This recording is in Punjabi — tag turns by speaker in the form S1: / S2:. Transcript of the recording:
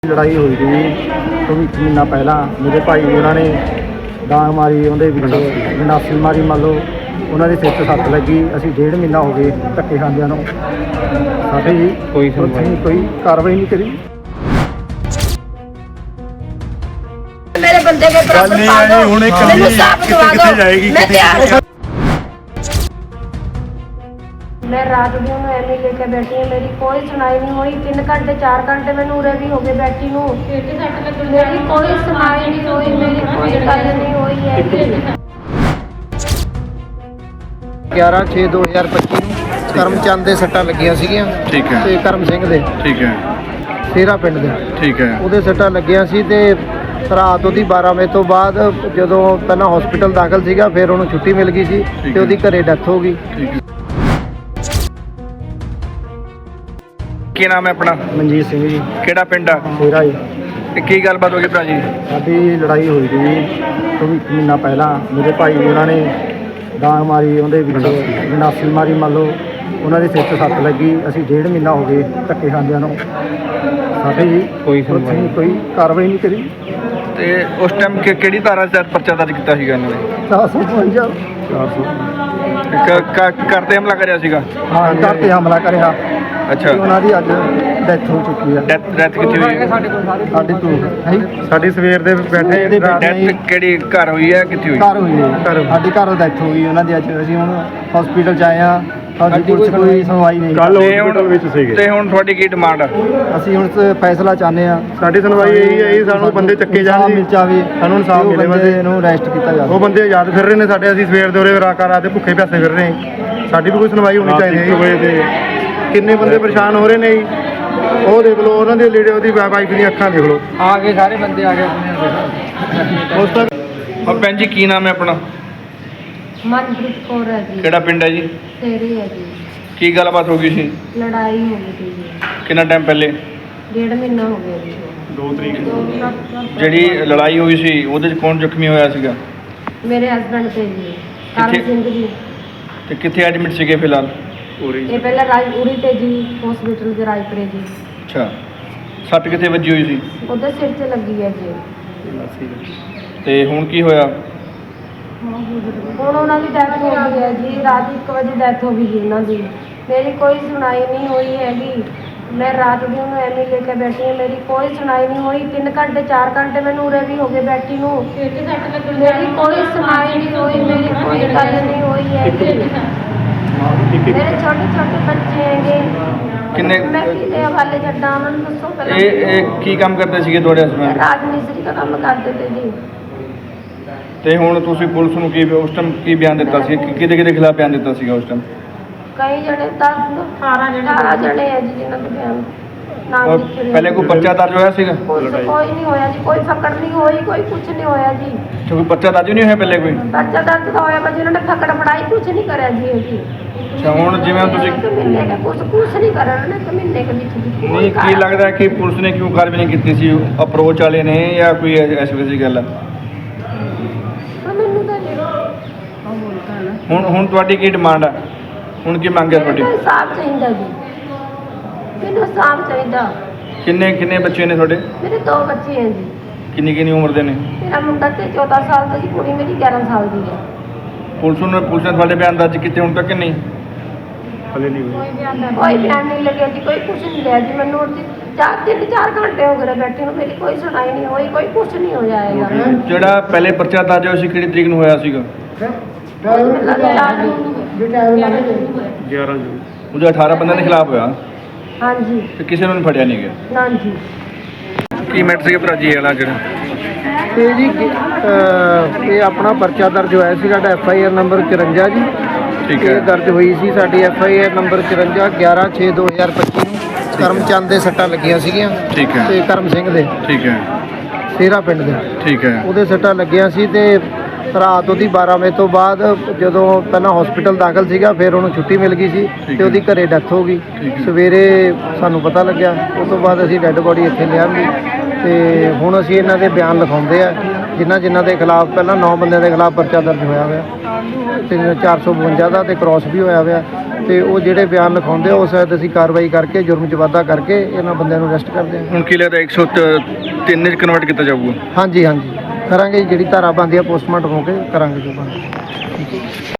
S1: ਲੜਾਈ ਹੋਈ ਸੀ ਤੋਂ 1 ਮਹੀਨਾ ਪਹਿਲਾਂ ਮੇਰੇ ਭਾਈ ਉਹਨਾਂ ਨੇ ਡਾਂਗ ਮਾਰੀ, ਉਹਦੇ ਵਿੱਚ ਗੰਡਾਸੀ ਮਾਰੀ। ਮੰਨ ਲਓ ਉਹਨਾਂ ਦੇ ਸਿਰ 'ਚ ਸੱਟ ਲੱਗੀ। ਅਸੀਂ 1.5 ਮਹੀਨਾ ਹੋ ਗਏ ਧੱਕੇ ਖਾਂਦਿਆਂ ਨੂੰ। ਸਾਡੀ ਕੋਈ ਕਾਰਵਾਈ ਨਹੀਂ ਕਰੀ।
S2: मेरे बंदे के बराबर मैंने साफ दवा दो। मैं तैयार हूं। मैं रात दी हूं एवं लेके बैठी हूं, मेरी कोई सुनाई नहीं हुई। 3 घंटे 4 घंटे मैंने उरे भी हो गए बैठी हूं, मेरी कोई सुनाई नहीं हुई, मेरी कोई गल नहीं हुई है।
S1: 11/6/2025 ਨੂੰ ਕਰਮਚੰਦ ਦੇ ਸੱਟਾਂ ਲੱਗੀਆਂ ਸੀਗੀਆਂ।
S3: ਠੀਕ ਹੈ।
S1: ਤੇ ਕਰਮ ਸਿੰਘ ਦੇ,
S3: ਠੀਕ ਹੈ,
S1: ਸੇਰਾ ਪਿੰਡ ਦੇ,
S3: ਠੀਕ ਹੈ।
S1: ਉਹਦੇ ਸੱਟਾਂ ਲੱਗੀਆਂ ਸੀ। ਤੇ ਰਾਤ ਉਹਦੀ 12 ਵਜੇ ਤੋਂ ਬਾਅਦ ਜਦੋਂ ਪਹਿਲਾਂ ਹਸਪੀਟਲ ਦਾਖਲ ਸੀਗਾ, ਫਿਰ ਉਹਨੂੰ ਛੁੱਟੀ ਮਿਲ ਗਈ ਸੀ ਤੇ ਉਹਦੀ ਘਰੇ ਡੈਥ ਹੋ ਗਈ।
S3: ਠੀਕ ਹੈ। ਕੀ ਨਾਮ ਹੈ ਆਪਣਾ?
S1: ਮਨਜੀਤ ਸਿੰਘ ਜੀ,
S3: ਕਿਹੜਾ ਪਿੰਡ ਆ?
S1: ਸੇਰਾ ਜੀ।
S3: ਤੇ ਕੀ ਗੱਲਬਾਤ ਹੋ ਗਈ ਭਰਾ ਜੀ?
S1: ਸਾਡੀ ਲੜਾਈ ਹੋਈ ਸੀ ਤੋਂ 1 ਮਹੀਨਾ ਪਹਿਲਾਂ। ਮੇਰੇ ਭਾਈ ਉਹਨਾਂ ਨੇ ਡਾਂਗ ਮਾਰੀ, ਉਹਦੇ ਵਿੱਚ ਗੰਡਾਸੀ ਮਾਰੀ। ਮੰਨ ਲਓ ਉਹਨਾਂ ਦੇ ਸਿਰ 'ਚ ਸੱਟ ਲੱਗੀ। ਅਸੀਂ 1.5 ਮਹੀਨਾ ਹੋ ਗਏ ਧੱਕੇ ਖਾਂਦਿਆਂ ਨੂੰ। ਸਾਡੀ ਕੋਈ ਕਾਰਵਾਈ ਨਹੀਂ ਕਰੀ।
S3: ਤੇ ਉਸ ਟਾਈਮ ਕਿਹੜੀ ਧਾਰਾ 'ਚ ਪਰਚਾ ਦਰਜ ਕੀਤਾ ਸੀਗਾ ਇਹਨਾਂ ਨੇ?
S1: 452
S3: ਘਰ ਤੇ ਹਮਲਾ ਕਰਿਆ ਸੀਗਾ?
S1: ਹਾਂ, ਘਰ ਤੇ ਹਮਲਾ ਕਰਿਆ।
S3: ਅੱਛਾ।
S1: ਉਹਨਾਂ ਦੀ ਅੱਜ ਡੈਥ ਹੋ ਚੁੱਕੀ ਆ।
S3: ਡੈਥ ਕਿੱਥੇ ਹੋਈ?
S1: ਸਾਡੀ ਤੋਂ ਸਾਡੀ ਸਵੇਰ ਦੇ ਬੈਠੇ
S3: ਡੈਥ ਕਿਹੜੀ ਘਰ ਹੋਈ ਹੈ, ਕਿੱਥੇ ਹੋਈ?
S1: ਘਰ ਹੋਈ ਹੈ। ਸਾਡੀ ਘਰੋਂ ਡੈਥ ਹੋ ਗਈ ਉਹਨਾਂ ਦੀ ਅੱਜ। ਅਸੀਂ ਹੁਣ ਹਸਪੀਟਲ 'ਚ ਆਏ ਹਾਂ। ਸਾਡੀ ਪੁਲਿਸ ਕੋਈ ਸੁਣਵਾਈ ਨਹੀਂ।
S3: ਕੱਲ ਹਸਪੀਟਲ ਵਿੱਚ ਸੀਗੇ। ਤੇ ਹੁਣ ਤੁਹਾਡੀ ਕੀ ਡਿਮਾਂਡ ਆ?
S1: ਅਸੀਂ ਹੁਣ ਫੈਸਲਾ ਚਾਹੁੰਦੇ ਹਾਂ।
S4: ਸਾਡੀ ਸੁਣਵਾਈ ਇਹੀ ਹੈ, ਸਾਨੂੰ ਬੰਦੇ ਚੱਕੇ ਜਾਣ,
S1: ਮਿਲ ਜਾਵੇ,
S4: ਸਾਨੂੰ ਇਨਸਾਫ ਮਿਲੇ। ਬੰਦੇ
S1: ਇਹਨੂੰ ਅਰੈਸਟ ਕੀਤਾ ਜਾਵੇ।
S4: ਉਹ ਬੰਦੇ ਆਜ਼ਾਦ ਫਿਰ ਰਹੇ ਨੇ ਸਾਡੇ। ਅਸੀਂ ਸਵੇਰ ਦੇ ਉਰੇ ਰਾਤ ਦੇ ਭੁੱਖੇ ਪਿਆਸੇ ਫਿਰ ਰਹੇ ਹਾਂ। ਸਾਡੀ ਵੀ ਕੋਈ ਸੁਣਵਾਈ ਹੋਣੀ ਚਾਹੀਦੀ ਹੈ। ਕਿੰਨੇ ਬੰਦੇ ਪਰੇਸ਼ਾਨ ਹੋ ਰਹੇ ਨੇ ਜੀ। ਉਹ ਦੇਖ ਲਓ, ਉਹਨਾਂ ਦੇ ਲੀੜੇ, ਉਹਦੀ ਵਾਈਫ ਦੀਆਂ ਅੱਖਾਂ ਦੇਖ ਲਓ।
S1: ਆ ਗਏ ਸਾਰੇ ਬੰਦੇ ਆ ਗਏ।
S4: ਉਸ ਤੱਕ
S3: ਹਾਂ ਭੈਣ ਜੀ, ਕੀ ਨਾਮ ਹੈ ਆਪਣਾ?
S2: मनप्रीत कौर है जी,
S3: ਕਿਹੜਾ ਪਿੰਡ ਹੈ ਜੀ?
S2: तेरी है जी।
S3: ਕੀ ਗੱਲਬਾਤ ਹੋ ਗਈ ਸੀ?
S2: लड़ाई हो गई थी जी,
S3: ਕਿੰਨਾ ਟਾਈਮ ਪਹਿਲੇ?
S2: 1.5 महीना हो गया जी।
S4: 2 ਤਰੀਕ
S3: ਜਿਹੜੀ ਲੜਾਈ ਹੋਈ ਸੀ ਉਹਦੇ 'ਚ ਕੌਣ ਜ਼ਖਮੀ ਹੋਇਆ ਸੀਗਾ?
S2: मेरे हस्बैंड थे जी, करम
S3: किथे?
S2: सिंह जी।
S3: ਤੇ ਕਿੱਥੇ ਐਡਮਿਟ ਸੀਗੇ ਫਿਲਹਾਲ?
S2: ये पहले राजपुरी थे जी, हॉस्पिटल के राजपुरे जी।
S3: ਅੱਛਾ। ਸੱਟ ਕਿੱਥੇ ਵੱਜੀ ਹੋਈ ਸੀ?
S2: उधर सिर से लगी है जी।
S3: ਤੇ ਹੁਣ ਕੀ ਹੋਇਆ?
S2: ਹੁਣ ਉਹਨਾਂ ਦੀ ਡੈਥ ਹੋ ਗਈ ਹੈ ਜੀ। ਰਾਤ 1 ਵਜੇ ਡੈਥ ਹੋ ਗਈ ਜੀ ਉਹਨਾਂ ਦੀ। ਮੇਰੀ ਕੋਈ ਸੁਣਾਈ ਨਹੀਂ ਹੋਈ ਹੈਗੀ। ਮੈਂ ਰਾਤ ਦੀ ਉਹਨੂੰ ਐਵੇਂ ਲੈ ਕੇ ਬੈਠੀ ਹਾਂ, ਮੇਰੀ ਕੋਈ ਸੁਣਾਈ ਨਹੀਂ ਹੋਈ। 3 ਘੰਟੇ 4 ਘੰਟੇ ਮੈਨੂੰ ਉਰੇ ਵੀ ਹੋ ਗਏ ਬੈਠੀ ਨੂੰ, ਮੇਰੀ ਕੋਈ ਸੁਣਾਈ ਨਹੀਂ ਹੋਈ, ਮੇਰੀ ਕੋਈ ਗੱਲ ਨਹੀਂ ਹੋਈ ਹੈਗੀ। ਮੇਰੇ ਛੋਟੇ ਛੋਟੇ ਬੱਚੇ ਹੈਗੇ।
S3: ਕਿੰਨੇ?
S2: ਮੈਂ ਕਿਹਦੇ ਹਵਾਲੇ ਛੱਡਾਂ ਉਹਨਾਂ ਨੂੰ, ਦੱਸੋ ਪਹਿਲਾਂ।
S3: ਇਹ ਕੀ ਕੰਮ ਕਰਦੇ ਸੀਗੇ ਤੁਹਾਡੇ ਹਸਬੈਂਡ?
S2: ਰਾਜ ਮਿਸਤਰੀ ਦਾ ਕੰਮ ਕਰਦੇ ਤੇ ਜੀ।
S3: ਤੇ ਹੁਣ ਤੁਸੀਂ ਪੁਲਿਸ ਨੂੰ ਕੀ ਉਸ ਟਾਈਮ ਕੀ ਬਿਆਨ ਦਿੱਤਾ ਸੀ? ਕਿਹਦੇ ਖਿਲਾਫ ਬਿਆਨ ਦਿੱਤਾ ਸੀਗਾ ਉਸ ਟਾਈਮ?
S2: ਕਈ ਜਣੇ 18 ਜਣੇ ਹੈ ਜੀ ਜਿਨ੍ਹਾਂ ਦੇ ਬਿਆਨ ਨਾਮ ਲਿਖੇ ਹੋਏ।
S3: ਪਹਿਲੇ ਕੋਈ ਪਰਚਾ ਦਰਜ ਹੋਇਆ ਸੀਗਾ?
S2: ਕੋਈ ਨਹੀਂ ਹੋਇਆ ਜੀ, ਕੋਈ ਫਕੜ ਨਹੀਂ ਹੋਈ, ਕੋਈ ਕੁਝ ਨਹੀਂ ਹੋਇਆ ਜੀ।
S3: ਤੇ ਕੋਈ ਪਰਚਾ ਦਰਜ ਨਹੀਂ ਹੋਇਆ ਪਹਿਲੇ ਕੋਈ?
S2: ਪਰਚਾ ਦਰਜ ਤਾਂ ਹੋਇਆ ਪਰ ਜਿਹਨਾਂ ਨੇ ਫਕੜ ਫੜਾਈ ਕੁਝ ਨਹੀਂ ਕਰਿਆ ਜੀ ਜੀ।
S3: ਅੱਛਾ। ਹੁਣ ਜਿਵੇਂ ਤੁਸੀਂ
S2: ਮਹੀਨੇ ਕੇ ਕੁਝ ਨਹੀਂ ਕਰਿਆ ਉਹਨਾਂ ਨੇ, 1 ਮਹੀਨੇ ਕੇ ਵਿੱਚ ਵੀ ਕੋਈ
S3: ਨਹੀਂ, ਕੀ ਲੱਗਦਾ ਕਿ ਪੁਲਿਸ ਨੇ ਕਿਉਂ ਕਾਰਵਾਈ ਨਹੀਂ ਕੀਤੀ ਸੀ? ਅਪਰੋਚ ਵਾਲੇ ਨੇ ਜਾਂ ਕੋਈ ਐਸੀ ਵੈਸੀ ਗੱਲ ਆ?
S2: ਮੈਨੂੰ ਤਾਂ
S3: ਹੁਣ ਤੁਹਾਡੀ ਕੀ ਡਿਮਾਂਡ ਆ? ਹੁਣ ਕੀ ਮੰਗ ਹੈ ਤੁਹਾਡੀ?
S2: ਮੈਨੂੰ ਇਨਸਾਫ ਚਾਹੀਦਾ ਜੀ, ਮੈਨੂੰ ਇਨਸਾਫ ਚਾਹੀਦਾ।
S3: ਕਿੰਨੇ ਬੱਚੇ ਨੇ ਤੁਹਾਡੇ?
S2: ਮੇਰੇ 2 ਬੱਚੇ ਹੈ ਜੀ।
S3: ਕਿੰਨੀ ਉਮਰ ਦੇ ਨੇ?
S2: ਮੇਰਾ ਮੁੰਡਾ ਤੇ 14 ਸਾਲ ਦਾ ਜੀ, ਕੁੜੀ ਮੇਰੀ 11 ਸਾਲ ਦੀ ਹੈ।
S3: ਪੁਲਿਸ ਨੇ ਤੁਹਾਡੇ ਬਿਆਨ ਦਰਜ ਕੀਤੇ ਹੁਣ ਤੱਕ ਕਿ ਨਹੀਂ?
S4: ਹਲੇ ਨਹੀਂ ਹੋਈ।
S2: ਕੋਈ ਬਿਆਨ ਨਹੀਂ ਲੱਗਿਆ ਜੀ, ਕੋਈ ਕੁਝ ਨਹੀਂ ਲਿਆ ਜੀ। ਮੈਨੂੰ 3-4 ਘੰਟੇ ਹੋ ਗਏ ਬੈਠੇ ਨੂੰ, ਮੇਰੀ ਕੋਈ ਸੁਣਾਈ ਨਹੀਂ ਹੋਈ, ਕੋਈ ਕੁਝ ਨਹੀਂ ਹੋ ਜਾਏਗਾ।
S3: ਜਿਹੜਾ ਪਹਿਲੇ ਪਰਚਾ ਦਰਜ ਹੋਇਆ ਸੀ ਕਿਹੜੀ ਤਰੀਕ ਨੂੰ ਹੋਇਆ ਸੀਗਾ?
S4: 11 ਜੂਨ।
S3: ਉਹਦੇ 18 ਬੰਦਿਆਂ ਦੇ ਖਿਲਾਫ ਹੋਇਆ
S2: ਹਾਂਜੀ।
S3: ਤੇ ਕਿਸੇ ਨੂੰ ਨਹੀਂ ਫੜਿਆ ਨਹੀਂ ਗਿਆ?
S2: ਨਾ ਜੀ।
S3: ਕੀ ਮੈਟਰ ਸੀ ਭਰਾ ਜੀ ਵਾਲਾ ਜਿਹੜਾ?
S1: ਇਹ ਜੀ ਇਹ ਆਪਣਾ ਪਰਚਾ ਦਰਜ ਹੋਇਆ ਸੀ ਸਾਡਾ FIR ਨੰਬਰ 54 ਜੀ।
S3: ਠੀਕ ਹੈ।
S1: ਇਹ ਦਰਜ ਹੋਈ ਸੀ ਸਾਡੀ FIR ਨੰਬਰ 54 11/6/2025 ਨੂੰ ਕਰਮਚੰਦ ਦੇ ਸੱਟਾਂ ਲੱਗੀਆਂ ਸੀਗੀਆਂ।
S3: ਠੀਕ ਹੈ।
S1: ਤੇ ਕਰਮ ਸਿੰਘ ਦੇ,
S3: ਠੀਕ ਹੈ,
S1: ਸੇਰਾ ਪਿੰਡ ਦੇ,
S3: ਠੀਕ ਹੈ।
S1: ਉਹਦੇ ਸੱਟਾਂ ਲੱਗੀਆਂ ਸੀ। ਤੇ ਰਾਤ ਉਹਦੀ 12 ਵਜੇ ਤੋਂ ਬਾਅਦ ਜਦੋਂ ਪਹਿਲਾਂ ਹਸਪੀਟਲ ਦਾਖਲ ਸੀਗਾ, ਫਿਰ ਉਹਨੂੰ ਛੁੱਟੀ ਮਿਲ ਗਈ ਸੀ ਤੇ ਉਹਦੀ ਘਰੇ ਡੈਥ ਹੋ ਗਈ। ਸਵੇਰੇ ਸਾਨੂੰ ਪਤਾ ਲੱਗਿਆ, ਉਸ ਤੋਂ ਬਾਅਦ ਅਸੀਂ ਡੈੱਡ ਬੋਡੀ ਇੱਥੇ ਲਿਆਂਦੀ। ਤੇ ਹੁਣ ਅਸੀਂ ਇਹਨਾਂ ਦੇ ਬਿਆਨ ਲਿਖਾਉਂਦੇ ਆ, ਜਿਨ੍ਹਾਂ ਦੇ ਖਿਲਾਫ ਪਹਿਲਾਂ 9 ਬੰਦਿਆਂ ਦੇ ਖਿਲਾਫ ਪਰਚਾ ਦਰਜ ਹੋਇਆ 452 ਦਾ ਤੇ ਕ੍ਰਾਸ ਵੀ ਹੋਇਆ ਹੋਇਆ ਤੇ ਉਹ ਜਿਹੜੇ ਬਿਆਨ ਲਿਖਾਉਂਦੇ ਆ ਉਸ ਤਹਿਤ ਅਸੀਂ ਕਾਰਵਾਈ ਕਰਕੇ ਜੁਰਮ 'ਚ ਵਾਧਾ ਕਰਕੇ ਇਹਨਾਂ ਬੰਦਿਆਂ ਨੂੰ ਅਰੈਸਟ ਕਰਦੇ ਹਾਂ।
S3: ਹੁਣ ਕੀ ਲੱਗਦਾ 103 'ਚ ਕਨਵਰਟ ਕੀਤਾ ਜਾਊਗਾ?
S1: ਹਾਂਜੀ ਕਰਾਂਗੇ ਜੀ, ਜਿਹੜੀ ਧਾਰਾ ਬਣਦੀ ਆ ਪੋਸਟਮਾਰਟਮ ਹੋ ਕੇ ਕਰਾਂਗੇ ਜੋ ਬਣਦਾ।